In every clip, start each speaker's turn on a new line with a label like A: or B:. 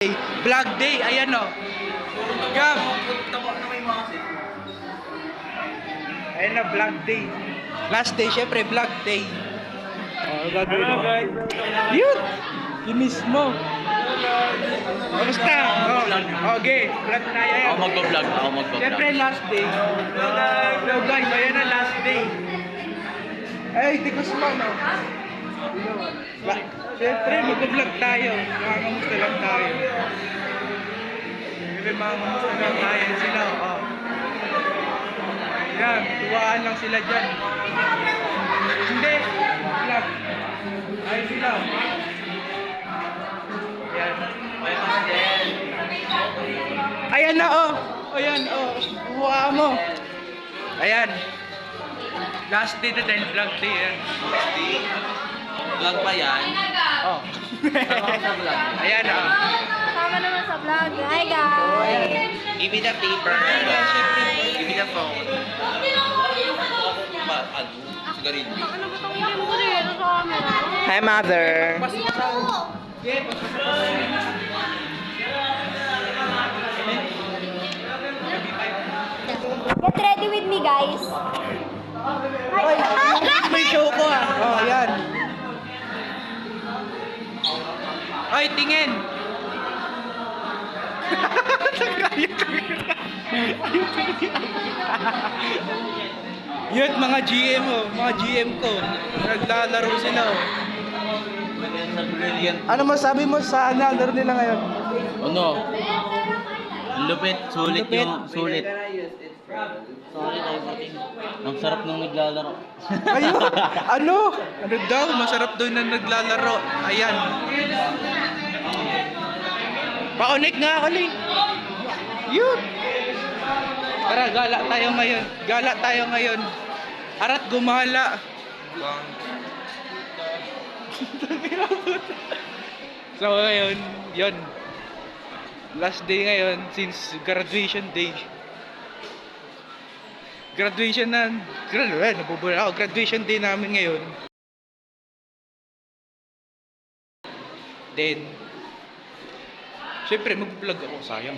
A: Vlog day, ayan o. Gab! Ayan na, vlog day. Last day, syempre, vlog day. Oh, gagawin mo. Yun! Yung mismo. Kamusta? Oh, okay. Vlog na yan.
B: Ako magpa-vlog.
A: Syempre, last day. So guys, ayan na, last day. Ay, di ko sumama. Siyempre, mag-vlog tayo. Makamusta lang tayo. Siyempre, makamusta lang tayo sila. Oh. Yan, tuwaan lang sila dyan. Hindi, vlog. Ay sila. Yan. Ayan na, oh. Ayan, oh. Tuwa mo. Ayan. Last day na dahil vlog day yan.
B: Vlog pa yan.
A: Oh. Ayan ah.
C: Kasama naman sa vlog. Hi guys!
B: Give me the paper. Give me the phone. Sigarilyo.
C: Ano ba itong ilim ko rin? Ito sa camera.
B: Hi, mother.
C: Get ready with me guys.
A: Oy, may show ko ah. Oh, ayan. Oy, tingin. Yun, mga GM oh, mga GM ko. Naglalaro sila oh. Ano masabi mo sa laro nila ngayon?
B: Ano? Lupit, sulit
A: Lupit.
B: yung sulit. Sulit everything. Ang sarap nung naglalaro.
A: Ayun, ano? Ano daw? Masarap daw na naglalaro. Ayan. Pa-connect nga ako Ling. Yun. Tara, gala tayo ngayon. Gala tayo ngayon. Arat gumala. So ngayon, yun. Last day ngayon since graduation day. Graduation na. Nabubula ako. Graduation day namin ngayon. Then, syempre mag-vlog ako. Sayang.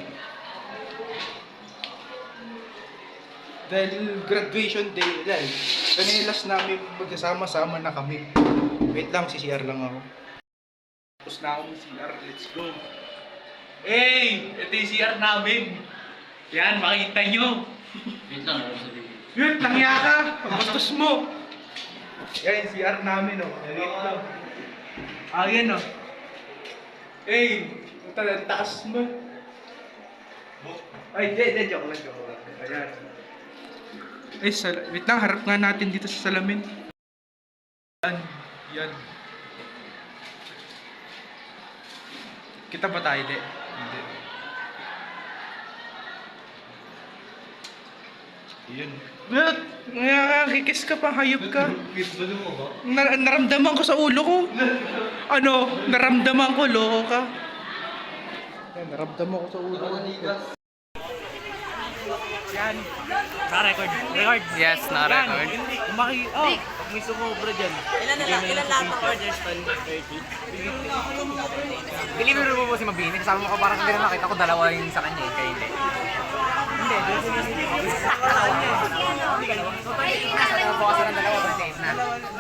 A: Dahil graduation day, dahil kanilas namin magkasama-sama na kami. Wait lang, CCR lang ako. Tapos na ako ng CR, let's go. Hey! Ito yung CR namin. Yan, makita nyo.
B: Wait lang, ano sabihin?
A: Yun, langya ka. Pagkastos mo. Yan yung CR namin, oh. Wait lang. Ah, yan, oh. Hey! Ang taas mo. Ay, hindi, joke lang. Ayan. Ay, wait lang, harap nga natin dito sa salamin. Yan. Kita ba tayo, di? Hindi. Yun. Kikis ka pa, hayop ka. Naramdaman ko sa ulo ko. Ano? Naramdaman ko, loko ka. Naramdaman ko sa ulo ko. Yan. Na-record. Record.
B: Yes, na-record.
A: Oh, may sumobra dyan.
D: Ilan lahat ng orders pa? 30? Delivery mo po si Mabini. Kasama mo ko parang hindi na nakita ko dalawa yung sa kanya eh. Kaya hindi. Hindi, doon siya hindi. Bukas na ng dalawa, but na.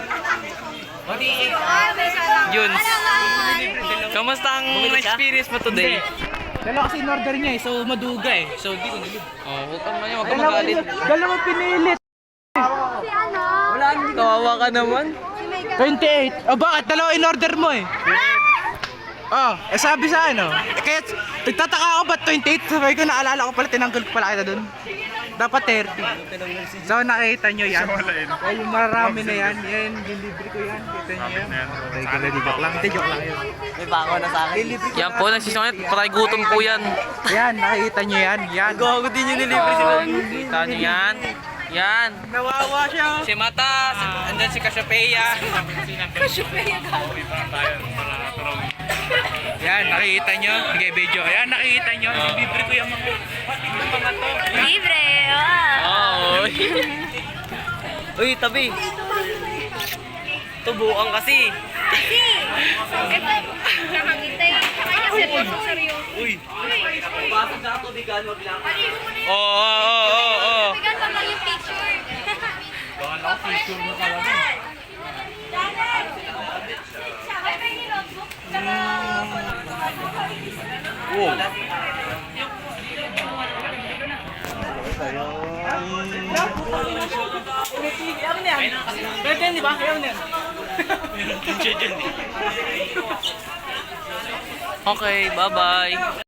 B: Juns, kamusta ang experience mo today?
A: Dalawa kasi in-order niya eh, so maduga eh. So di ko nilib.
B: Oh, huwag kang manya, huwag kang magalit.
A: Dalawa pinilit.
C: Si ano?
B: Kawawa ka naman.
C: Si Megan.
A: 28. Oh, bakit? Dalawa in-order mo eh. Oh, sabi sa ano. Kaya nagtataka ako ba't 28? Sabi ko, naalala ko pala, tinanggal ko pala kita dun. Dapat 30. So nakita nyo yan. Ay, yung marami na yan. Yan, delivery ko yan. Kita nyo yan. Joke lang. Hindi, joke lang yun.
D: May bako na sa akin.
A: Delivery ko
B: Yan po, nagsisungit. Patay gutom po yan.
A: yan, nakita nyo yan. Yan.
D: Gago din yung delivery si Mabini.
B: Kita nyo yan. Yan.
A: Nawawa siya.
B: Si Mata, andyan si Cassiopeia.
A: Yan, nakikita nyo. Sige, video. Yan, nakikita nyo. Libre ko yung mga to.
C: Libre! Wow!
B: Oh. Uy, tabi. Tubukan kasi.
C: Kasi, ito, nakangitay sa kanya
A: Oo.
C: Bigyan pa lang yung picture.
A: Pwede yan, di ba? Ayaw na yan.
B: Okay, bye-bye.